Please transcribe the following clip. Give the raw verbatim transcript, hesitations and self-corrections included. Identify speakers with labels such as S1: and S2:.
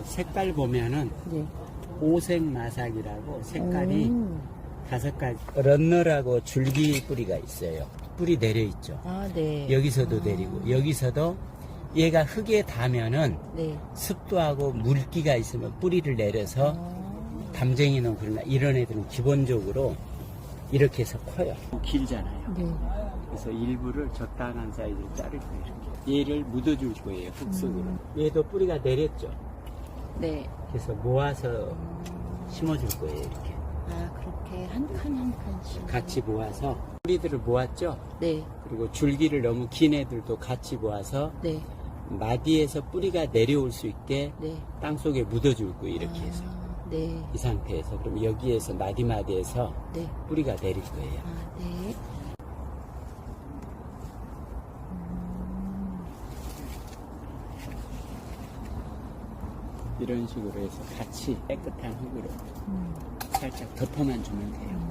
S1: 색깔 보면은
S2: 네.
S1: 오색마삭이라고 색깔이
S2: 오.
S1: 다섯 가지. 런너라고 줄기 뿌리가 있어요. 뿌리 내려 있죠.
S2: 아, 네.
S1: 여기서도
S2: 아.
S1: 내리고 여기서도 얘가 흙에 닿으면은
S2: 네.
S1: 습도하고 물기가 있으면 뿌리를 내려서
S2: 아.
S1: 담쟁이는 그러나 이런 애들은 기본적으로 이렇게 해서 커요. 길잖아요.
S2: 네.
S1: 그래서 일부를 적당한 사이즈로 자를 거예요. 이렇게. 얘를 묻어줄 거예요. 흙 속으로.
S2: 음.
S1: 얘도 뿌리가 내렸죠.
S2: 네.
S1: 그래서 모아서 심어줄 거예요. 이렇게.
S2: 아, 그렇게 한 칸 한 칸씩.
S1: 같이 모아서 뿌리들을 모았죠.
S2: 네.
S1: 그리고 줄기를 너무 긴 애들도 같이 모아서
S2: 네.
S1: 마디에서 뿌리가 내려올 수 있게
S2: 네.
S1: 땅속에 묻어줄 거예요. 이렇게
S2: 아,
S1: 해서.
S2: 네.
S1: 이 상태에서. 그럼 여기에서 마디마디에서
S2: 네.
S1: 뿌리가 내릴 거예요.
S2: 아, 네.
S1: 이런 식으로 해서 같이 깨끗한 흙으로
S2: 음.
S1: 살짝 덮어만 주면 돼요.